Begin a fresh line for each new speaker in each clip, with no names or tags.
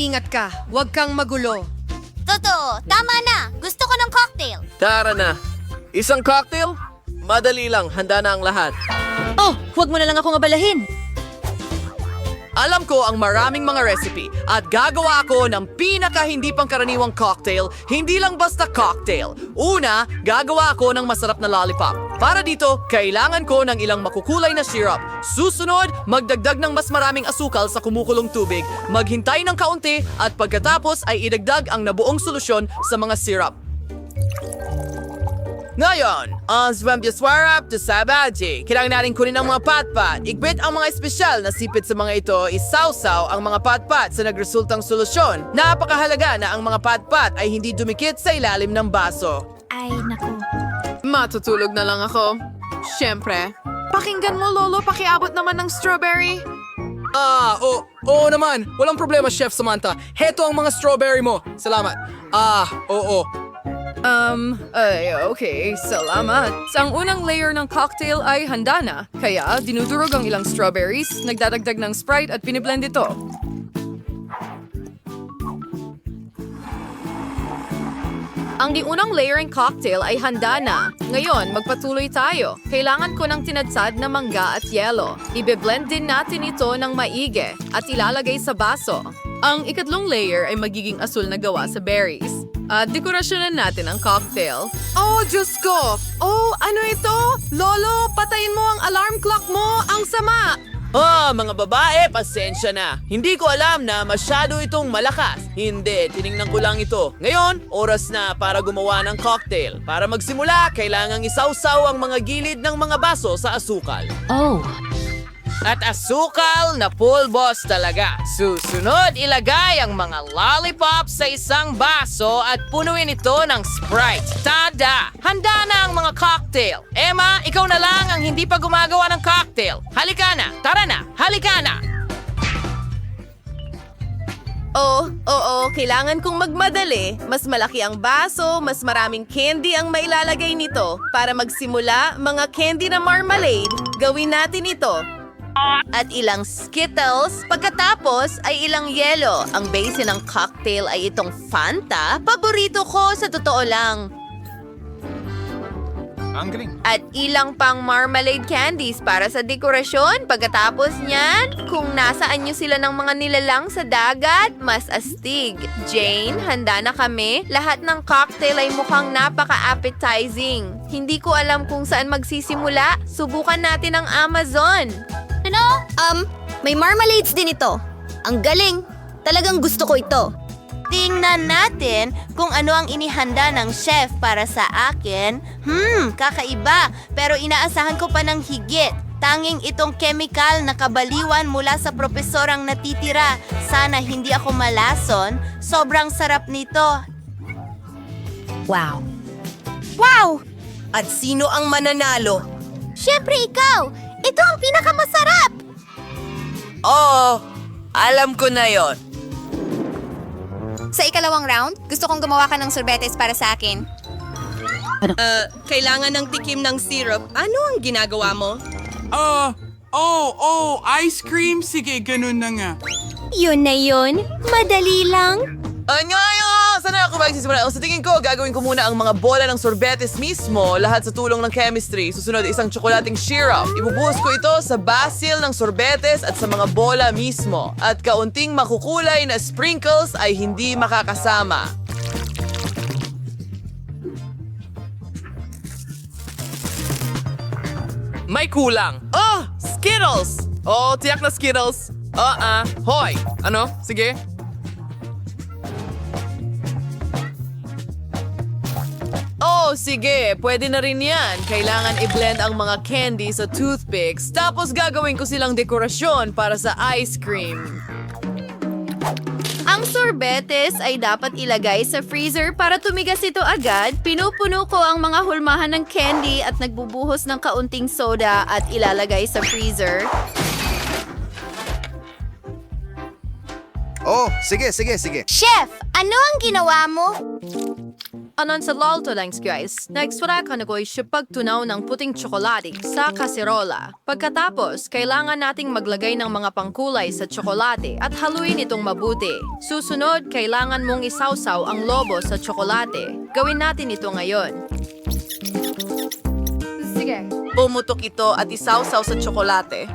mag-ingat ka. Huwag kang magulo.
Totoo, tama na. Gusto ko ng cocktail.
Tara na. Isang cocktail? Madali lang, handa na ang lahat.
Oh, huwag mo na lang akong abalahin.
Alam ko ang maraming mga recipe at gagawa ako ng pinaka-hindi pangkaraniwang cocktail, hindi lang basta cocktail. Una, gagawa ako ng masarap na lollipop. Para dito, kailangan ko ng ilang makukulay na syrup. Susunod, magdagdag ng mas maraming asukal sa kumukulong tubig, maghintay ng kaunti at pagkatapos ay idagdag ang nabuong solusyon sa mga syrup. Ngayon, ang swamp to sabaji. Kailangan natin kunin ang mga patpat. Igbit ang mga espesyal na sipit sa mga ito, isawsaw ang mga patpat sa nagresultang solusyon. Napakahalaga na ang mga patpat ay hindi dumikit sa ilalim ng baso.
Ay, naku.
Matutulog na lang ako. Siyempre. Pakinggan mo, Lolo, pakiabot naman ng strawberry.
Oo naman. Walang problema, Chef Samantha. Heto ang mga strawberry mo. Salamat. Oo.
Okay, salamat. Sa ang unang layer ng cocktail ay handa na. Kaya, dinudurog ang ilang strawberries, nagdadagdag ng Sprite at piniblend ito. Ang unang layer ng cocktail ay handa na. Ngayon, magpatuloy tayo. Kailangan ko ng tinadsad na mangga at yelo. Ibe-blend din natin ito ng maigi at ilalagay sa baso. Ang ikatlong layer ay magiging asul na gawa sa berries. At dekorasyonan natin ang cocktail.
Oh, Diyos ko! Oh, ano ito? Lolo, patayin mo ang alarm clock mo! Ang sama!
Mga babae, pasensya na. Hindi ko alam na masyado itong malakas. Hindi, tiningnan ko lang ito. Ngayon, oras na para gumawa ng cocktail. Para magsimula, kailangang isawsaw ang mga gilid ng mga baso sa asukal.
Oh.
At asukal na pulbos talaga. Susunod, ilagay ang mga lollipop sa isang baso at punuin ito ng Sprite. Tada! Handa na ang mga cocktail. Emma, ikaw na lang ang hindi pa gumagawa ng cocktail. Halika na! Tara na! Halika na!
Oo, kailangan kong magmadali. Mas malaki ang baso, mas maraming candy ang mailalagay nito. Para magsimula, mga candy na marmalade, gawin natin ito. At ilang Skittles, pagkatapos ay ilang yelo. Ang base ng cocktail ay itong Fanta. Paborito ko sa totoo lang.
Ang galing.
At ilang pang marmalade candies para sa dekorasyon. Pagkatapos niyan, kung nasaan nyo sila ng mga nilalang sa dagat, mas astig. Jane, handa na kami. Lahat ng cocktail ay mukhang napaka-appetizing. Hindi ko alam kung saan magsisimula. Subukan natin ang Amazon.
Ano? May marmalades din ito. Ang galing. Talagang gusto ko ito.
Tingnan natin kung ano ang inihanda ng chef para sa akin. Kakaiba. Pero inaasahan ko pa ng higit. Tanging itong chemical na kabaliwan mula sa propesorang natitira. Sana hindi ako malason. Sobrang sarap nito.
Wow.
Wow!
At sino ang mananalo?
Siyempre ikaw! Ito ang pinakamasarap!
Oo, alam ko na yon.
Sa ikalawang round, gusto kong gumawa ka ng sorbetes para sa akin.
Kailangan ng tikim ng syrup. Ano ang ginagawa mo?
Ice cream? Sige, ganun na nga.
Yun na yun. Madali lang.
Sana ako magsisimula. Sa tingin ko, gagawin ko muna ang mga bola ng sorbetes mismo, lahat sa tulong ng chemistry. Susunod, isang tsokolating syrup. Ibubuhos ko ito sa basil ng sorbetes at sa mga bola mismo. At kaunting makukulay na sprinkles ay hindi makakasama. May kulang. Oh, Skittles! Oh, tiyak na Skittles. Hoy! Ano? Sige. Sige. Pwede na rin yan. Kailangan i-blend ang mga candy sa toothpicks. Tapos gagawin ko silang dekorasyon para sa ice cream.
Ang sorbetes ay dapat ilagay sa freezer para tumigas ito agad. Pinupuno ko ang mga hulmahan ng candy at nagbubuhos ng kaunting soda at ilalagay sa freezer.
Oh, sige.
Chef, ano ang ginawa mo?
Anan sa lalto lang guys, naikswara ka na ko siya pagtunaw ng puting tsokolate sa kaserola. Pagkatapos, kailangan nating maglagay ng mga pangkulay sa tsokolate at haluin itong mabuti. Susunod, kailangan mong isawsaw ang lobo sa tsokolate. Gawin natin ito ngayon. Sige.
Pumutok ito at isawsaw sa tsokolate.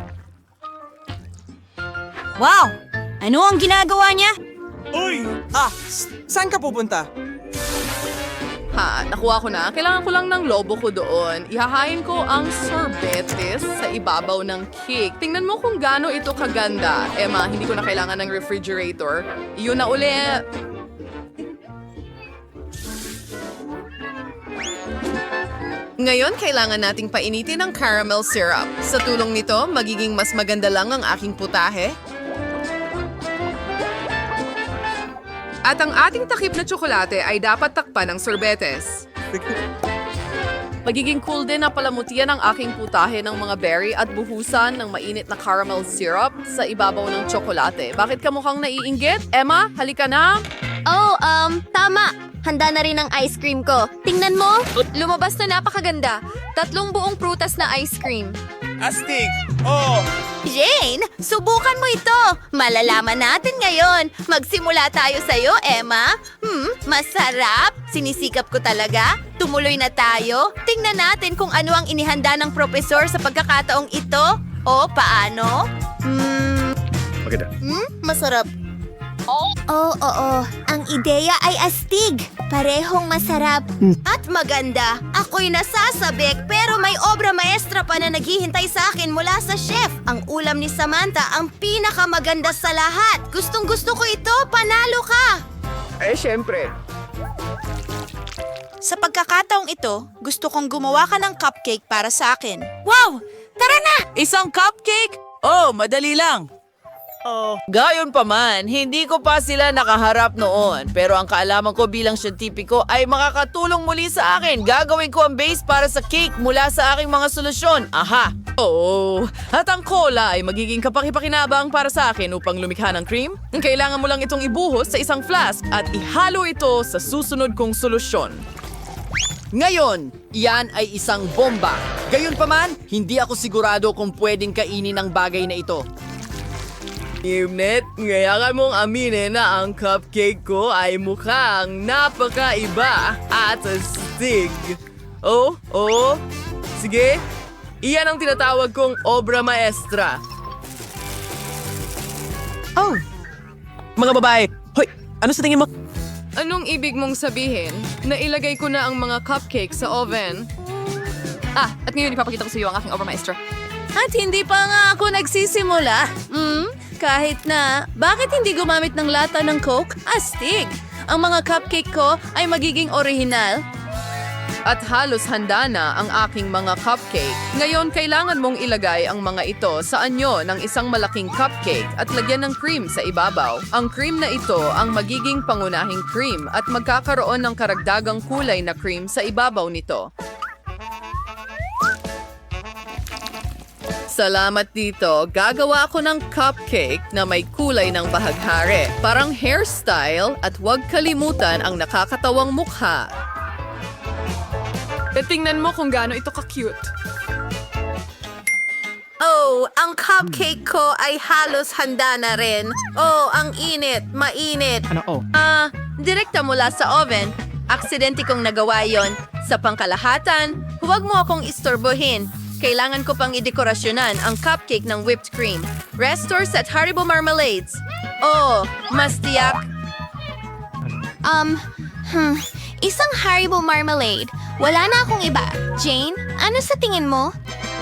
Wow! Ano ang ginagawa niya?
Saan ka pupunta?
Ha, nakuha ko na. Kailangan ko lang ng lobo ko doon. Ihahain ko ang sorbetes sa ibabaw ng cake. Tingnan mo kung gaano ito kaganda. Emma, hindi ko na kailangan ng refrigerator. Yun na uli.
Ngayon, kailangan nating painitin ang caramel syrup. Sa tulong nito, magiging mas maganda lang ang aking putahe. At ang ating takip na tsokolate ay dapat takpan ng sorbetes.
Magiging cool din na palamutian ang aking putahe ng mga berry at buhusan ng mainit na caramel syrup sa ibabaw ng tsokolate. Bakit ka mukhang naiinggit? Emma, halika na!
Oh, tama. Handa na rin ang ice cream ko. Tingnan mo.
Lumabas na napakaganda. 3 buong prutas na ice cream.
Astig! Oh!
Jane, subukan mo ito. Malalaman natin ngayon. Magsimula tayo sa'yo, Emma. Masarap. Sinisikap ko talaga. Tumuloy na tayo. Tingnan natin kung ano ang inihanda ng propesor sa pagkakataong ito. O, paano?
Masarap. Oo. Ang ideya ay astig. Parehong masarap.
At maganda. Ako'y nasasabik pero may obra maestra pa na naghihintay sa akin mula sa chef. Ang ulam ni Samantha ang pinakamaganda sa lahat. Gustong-gusto ko ito. Panalo ka!
Siyempre.
Sa pagkakataong ito, gusto kong gumawa ka ng cupcake para sa akin. Wow! Tara na!
Isang cupcake? Oh, madali lang.
Gayon pa man, hindi ko pa sila nakaharap noon. Pero ang kaalaman ko bilang siyentipiko ay makakatulong muli sa akin. Gagawin ko ang base para sa cake mula sa aking mga solusyon. Aha!
Oh, at ang cola ay magiging kapakipakinabang para sa akin upang lumikha ng cream. Kailangan mo lang itong ibuhos sa isang flask at ihalo ito sa susunod kong solusyon.
Ngayon, iyan ay isang bomba. Gayunpaman, hindi ako sigurado kung pwedeng kainin ang bagay na ito.
Imnet, ngayakan mong aminin na ang cupcake ko ay mukhang napakaiba at astig. Oh, sige. Iyan ang tinatawag kong obra maestra.
Oh! Mga babae, hoy! Ano sa tingin mo?
Anong ibig mong sabihin? Nailagay ko na ang mga cupcake sa oven. At ngayon ipapakita ko sa iyo ang aking obra maestra.
At hindi pa nga ako nagsisimula. Kahit na, bakit hindi gumamit ng lata ng Coke? Astig! Ang mga cupcake ko ay magiging orihinal.
At halos handa na ang aking mga cupcake. Ngayon, kailangan mong ilagay ang mga ito sa anyo ng isang malaking cupcake at lagyan ng cream sa ibabaw. Ang cream na ito ang magiging pangunahing cream at magkakaroon ng karagdagang kulay na cream sa ibabaw nito. Salamat dito. Gagawa ako ng cupcake na may kulay ng bahaghari. Parang hairstyle at huwag kalimutan ang nakakatawang mukha.
Tingnan mo kung gaano ito ka-cute.
Oh, ang cupcake ko ay halos handa na rin. Oh, ang init, mainit.
Direkta mula sa oven. Aksidente kong nagawa yon. Sa pangkalahatan, huwag mo akong istorbohin. Kailangan ko pang idekorasyonan ang cupcake ng whipped cream. Restores at Haribo Marmalades. Oh, mas tiyak.
Isang Haribo marmalade. Wala na akong iba. Jane, ano sa tingin mo?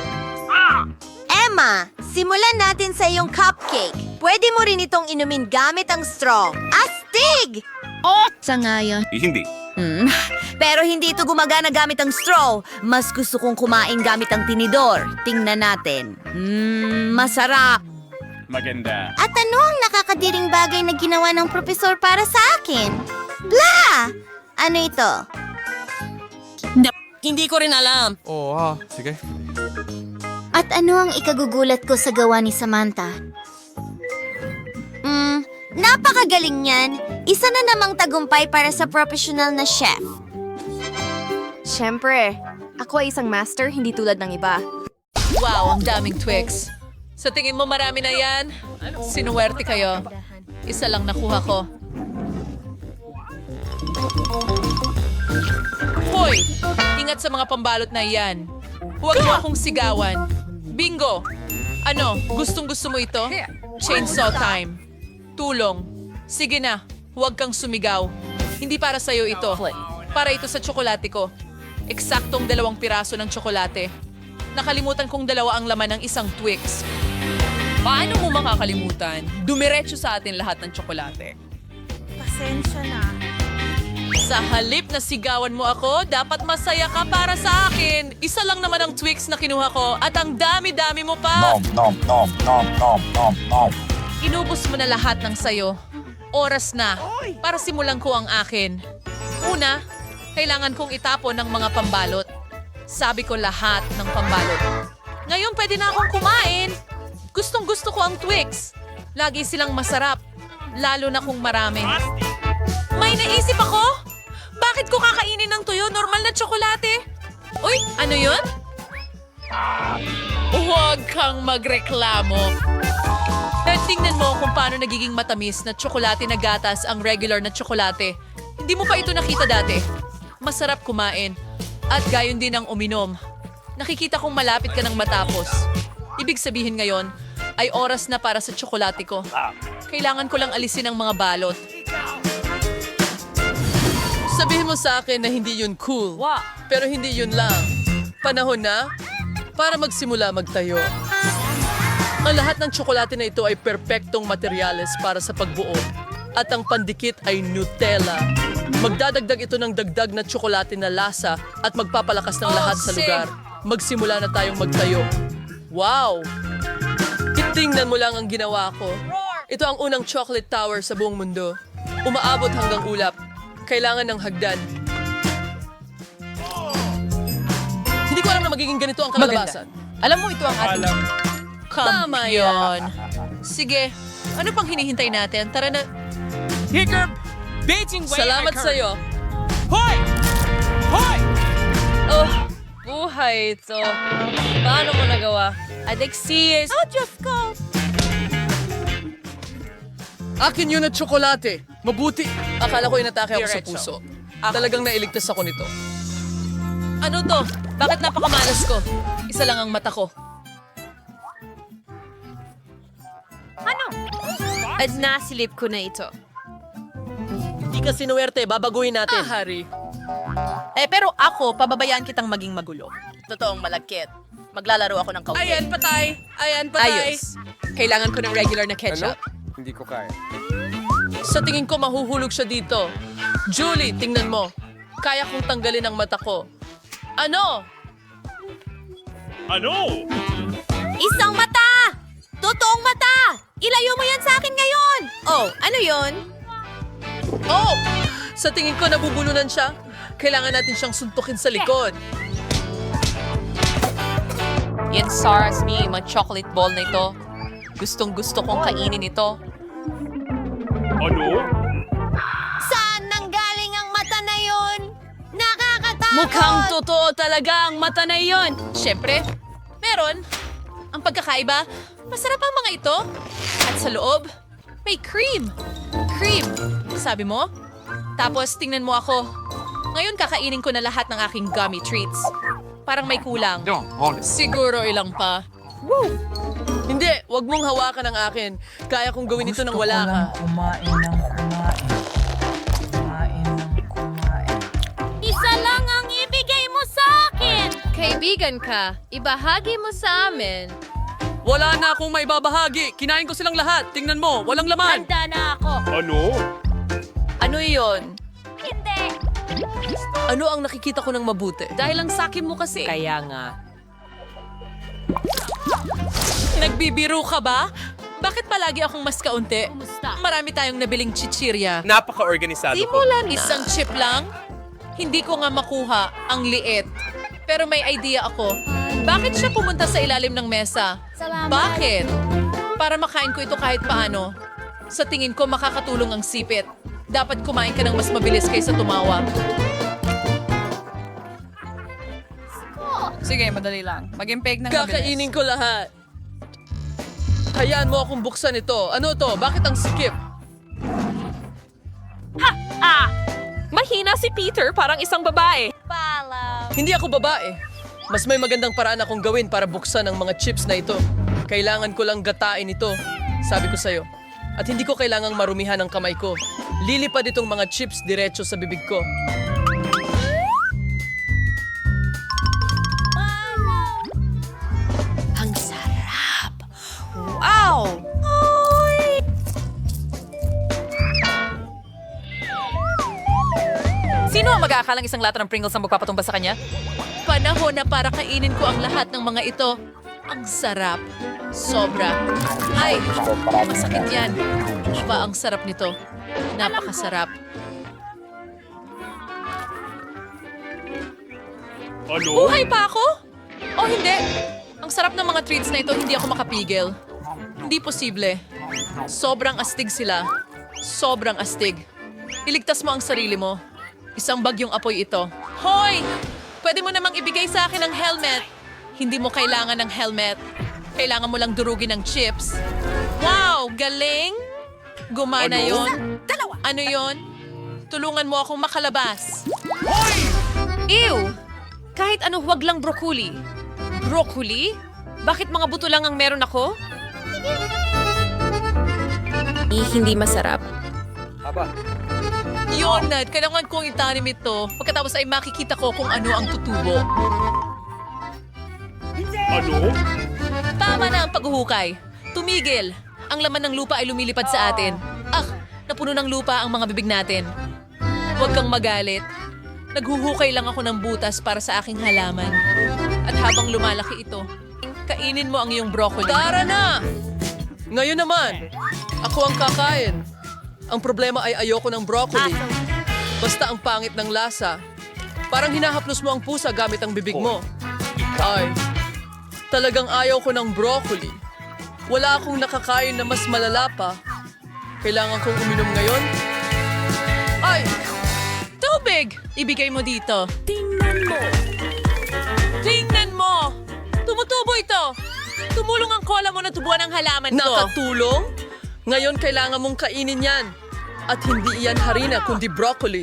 Emma, simulan natin sa iyong cupcake. Pwede mo rin itong inumin gamit ang straw. Astig!
Sangayon.
Hindi.
Pero hindi ito gumagana gamit ang straw. Mas gusto kong kumain gamit ang tinidor. Tingnan natin. Masarap.
Maganda.
At ano ang nakakadiring bagay na ginawa ng propesor para sa akin? Blah! Ano ito?
Hindi ko rin alam.
Sige.
At ano ang ikagugulat ko sa gawa ni Samantha? Napakagaling niyan. Isa na namang tagumpay para sa professional na chef.
Siyempre, ako ay isang master, hindi tulad ng iba.
Wow, ang daming Twix. Sa tingin mo marami na yan? Sinuwerte kayo. Isa lang nakuha ko. Hoy! Ingat sa mga pambalot na yan. Huwag mo akong sigawan. Bingo! Ano, gustong-gusto mo ito? Chainsaw time. Tulong. Sige na, huwag kang sumigaw. Hindi para sa'yo ito. Para ito sa tsokolate ko. Eksaktong 2 piraso ng tsokolate. Nakalimutan kong 2 ang laman ng isang Twix. Paano mo makakalimutan? Dumiretso sa atin lahat ng tsokolate.
Pasensya na.
Sa halip na sigawan mo ako, dapat masaya ka para sa akin. Isa lang naman ang Twix na kinuha ko at ang dami-dami mo pa. Inubos mo na lahat ng sayo. Oras na para simulan ko ang akin. Una, kailangan kong itapon ng mga pambalot. Sabi ko lahat ng pambalot. Ngayon pwede na akong kumain. Gustong-gusto ko ang Twix. Lagi silang masarap, lalo na kung marami. May naisip ako? Bakit ko kakainin ng tuyo? Normal na tsokolate. Uy, ano yun? Huwag kang magreklamo. Tingnan mo kung paano nagiging matamis na tsokolate na gatas ang regular na tsokolate. Hindi mo pa ito nakita dati. Masarap kumain. At gayon din ang uminom. Nakikita kong malapit ka ng matapos. Ibig sabihin ngayon, ay oras na para sa tsokolate ko. Kailangan ko lang alisin ang mga balot. Sabihin mo sa akin na hindi yun cool. Pero hindi yun lang. Panahon na para magsimula magtayo. Ang lahat ng tsokolate na ito ay perpektong materyales para sa pagbuo. At ang pandikit ay Nutella. Magdadagdag ito ng dagdag na tsokolate na lasa at magpapalakas ng lahat sa lugar. Magsimula na tayong magtayo. Wow! Tingnan mo lang ang ginawa ko. Ito ang unang chocolate tower sa buong mundo. Umaabot hanggang ulap. Kailangan ng hagdan. Hindi ko alam na magiging ganito ang kalalabasan.
Alam mo, ito ang ating...
Tama yun. Sige, ano pang hinihintay natin? Tara na.
Hiccup! Beijing way
Salamat sa'yo.
Hoy! Hoy!
Oh, buhay ito. Paano mo nagawa? Alexis!
Oh, Diyos ko!
Akin yun at tsokolate. Mabuti. Akala ko inatake ako sa puso. Talagang nailigtas ako nito.
Ano to? Bakit napakamalas ko? Isa lang ang mata ko.
At nasilip ko na ito.
Hindi ka sinuwerte, babaguhin natin.
Hari.
Pero ako, pababayaan kitang maging magulo. Totoong malagkit. Maglalaro ako ng kaunti.
Ayan, patay. Ayan, patay.
Ayos.
Kailangan ko ng regular na ketchup.
Hindi ko kaya.
Sa tingin ko mahuhulog siya dito. Julie, tingnan mo. Kaya kong tanggalin ang mata ko. Ano?
Isang mata! Totoong mata! Ilayo mo yan sa akin ngayon!
Oh, ano yon?
Oh! Sa tingin ko nabubulunan siya. Kailangan natin siyang suntukin sa likod.
Yan SARS me, mga chocolate ball na ito. Gustong gusto kong kainin ito.
Saan nanggaling ang mata na yun? Nakakatakot!
Mukhang totoo talaga ang mata na iyon.
Siyempre, meron. Ang pagkakaiba, masarap ang mga ito. At sa loob, may cream. Cream, sabi mo? Tapos tingnan mo ako. Ngayon kakainin ko na lahat ng aking gummy treats. Parang may kulang. Siguro ilang pa.
Hindi, wag mong hawakan ang akin. Kaya kong gawin ito nang wala ka.
Isa lang ang ibigay mo sa akin!
Kaibigan ka, ibahagi mo sa amin.
Wala na akong may babahagi. Kinain ko silang lahat. Tingnan mo, walang laman.
Handa na ako!
Ano iyon?
Hindi!
Ano ang nakikita ko ng mabuti?
Dahil ang sakin mo kasi.
Kaya nga.
Nagbibiro ka ba? Bakit palagi akong mas kaunti? Marami tayong nabiling chichirya.
Napaka-organisado
Isang chip lang? Hindi ko nga makuha ang liit. Pero may idea ako. Bakit siya pumunta sa ilalim ng mesa?
Salamat.
Bakit? Para makain ko ito kahit paano. Sa tingin ko makakatulong ang sipit. Dapat kumain ka ng mas mabilis kaysa tumawa.
Sige, madali lang. Mag-impake ng mabilis.
Kakainin ko lahat. Hayaan mo akong buksan ito. Ano to? Bakit ang sikip?
Mahina si Peter, parang isang babae.
Hindi ako babae. Mas may magandang paraan akong gawin para buksan ang mga chips na ito. Kailangan ko lang gatain ito. Sabi ko sa'yo. At hindi ko kailangang marumihan ang kamay ko. Lilipad itong mga chips diretso sa bibig ko.
Ang sarap! Wow!
Sino ang mag-aakalang isang lata ng Pringles ang magpapatumba sa kanya? Panahon na para kainin ko ang lahat ng mga ito. Ang sarap. Sobra. Ay, masakit yan. Iba ang sarap nito. Napakasarap. Buhay pa ako? O hindi? Ang sarap ng mga treats na ito, hindi ako makapigil. Hindi posible. Sobrang astig sila. Sobrang astig. Iligtas mo ang sarili mo. Isang bagyong apoy ito. Hoy! Pwede mo namang ibigay sa akin ang helmet. Hindi mo kailangan ng helmet. Kailangan mo lang durugin ng chips. Wow! Galing! Gumana yon. Ano yon? Tulungan mo akong makalabas. Ew! Kahit ano, huwag lang broccoli. Broccoli? Bakit mga buto lang ang meron ako?
Hindi masarap.
Yun, Nat. Kailangan kong itanim ito. Pagkatapos ay makikita ko kung ano ang tutubo. Tama na ang paghuhukay. Tumigil. Ang laman ng lupa ay lumilipad sa atin. Napuno ng lupa ang mga bibig natin. Huwag kang magalit. Naghuhukay lang ako ng butas para sa aking halaman. At habang lumalaki ito, kainin mo ang iyong broccoli.
Tara na! Ngayon naman, ako ang kakain. Ang problema ay ayoko ng broccoli. Basta ang pangit ng lasa. Parang hinahaplos mo ang pusa gamit ang bibig mo. Ay, talagang ayaw ko ng broccoli. Wala akong nakakain na mas malala pa. Kailangan kong uminom ngayon? Ay!
Tubig! Ibigay mo dito. Tingnan mo! Tingnan mo! Tumutubo ito! Tumulong ang cola mo na tubuan ang halaman ko.
Nakatulong? Ngayon kailangan mong kainin yan. At hindi iyan harina kundi broccoli.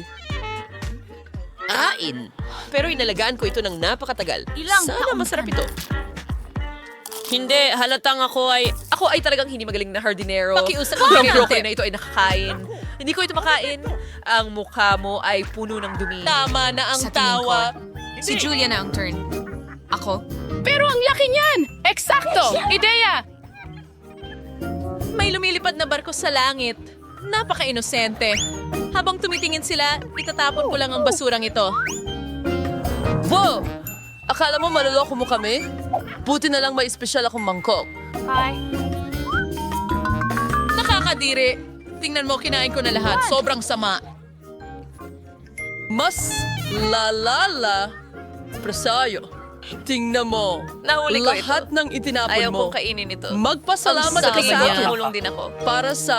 Pero inalagaan ko ito ng napakatagal. Sana masarap ito. Hindi, halatang ako ay talagang hindi magaling na hardinero.
Pakiusap mo
Ang
kay
broccoli
na ito ay nakakain. Hindi ko ito makain. Ang mukha mo ay puno ng dumi. Tama na ang
Sa tingin ko,
tawa.
Si Julia na ang turn. Ako?
Pero ang laki niyan! Eksakto! Ideya!
May lumilipad na barko sa langit. Napaka-inosente. Habang tumitingin sila, itatapon ko lang ang basurang ito.
Wow! Akala mo maloloko mo kami? Buti na lang may espesyal akong mangkok.
Nakakadiri. Tingnan mo, kinain ko na lahat. Sobrang sama.
Mas lalala. Presayo. Tingnan mo.
Nahuli ko
Lahat ng itinapon
Ayaw
mo.
kong kainin ito.
Magpasalamat ka sa akin.
Tulong din ako.
Para sa...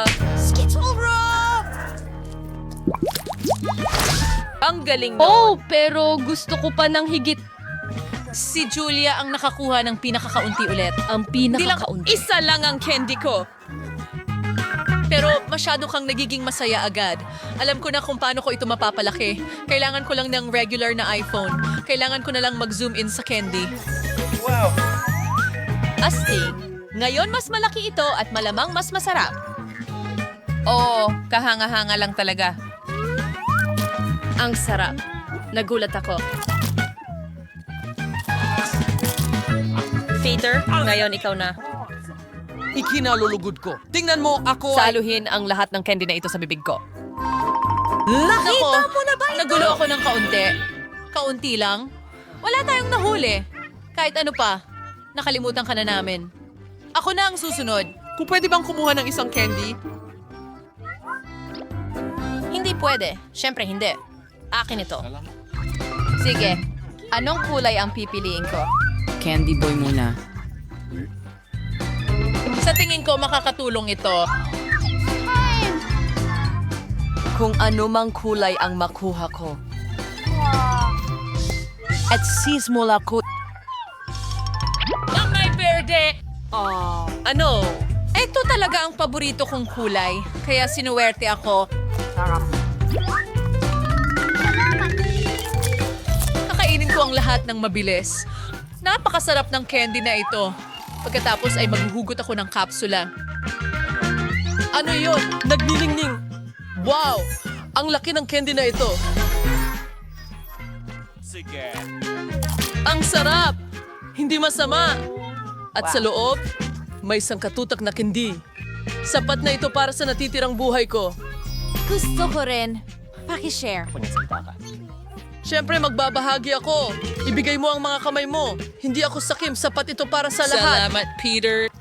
Ang galing no.
pero gusto ko pa ng higit.
Si Julia ang nakakuha ng pinakakaunti ulit.
Ang
Hindi lang, isa lang ang candy ko. Pero masyado kang nagiging masaya agad. Alam ko na kung paano ko ito mapapalaki. Kailangan ko lang ng regular na iPhone. Kailangan ko na lang mag-zoom in sa candy.
Wow!
Astig. Ngayon mas malaki ito at malamang mas masarap. Oo, kahanga-hanga lang talaga.
Ang sarap. Nagulat ako.
Peter, ngayon ikaw na.
Ikinalulugod ko. Tingnan mo, ako ay...
Saluhin ang lahat ng candy na ito sa bibig ko. Nakita mo na ba ito? Nagulo ako ng kaunti. Kaunti lang? Wala tayong nahuli. Kahit ano pa, nakalimutan ka na namin. Ako na ang susunod.
Kung pwede bang kumuha ng isang candy?
Hindi pwede. Siyempre hindi. Akin ito. Sige. Anong kulay ang pipiliin ko?
Candy boy muna.
Sa tingin ko, makakatulong ito.
Kung ano mang kulay ang makuha ko. At sismula ko...
Ano? Ito talaga ang paborito kong kulay. Kaya sinuwerte ako. Kakainin ko ang lahat ng mabilis. Napakasarap ng candy na ito. Pagkatapos ay maghuhugot ako ng kapsula.
Ano yun? Nagniningning. Wow! Ang laki ng candy na ito. Ang sarap! Hindi masama. At sa loob, may sangkatutak na candy. Sapat na ito para sa natitirang buhay ko.
Gusto ko rin. Paki-share.
Siyempre, magbabahagi ako. Ibigay mo ang mga kamay mo. Hindi ako sakim. Sapat ito para sa lahat.
Salamat, Peter.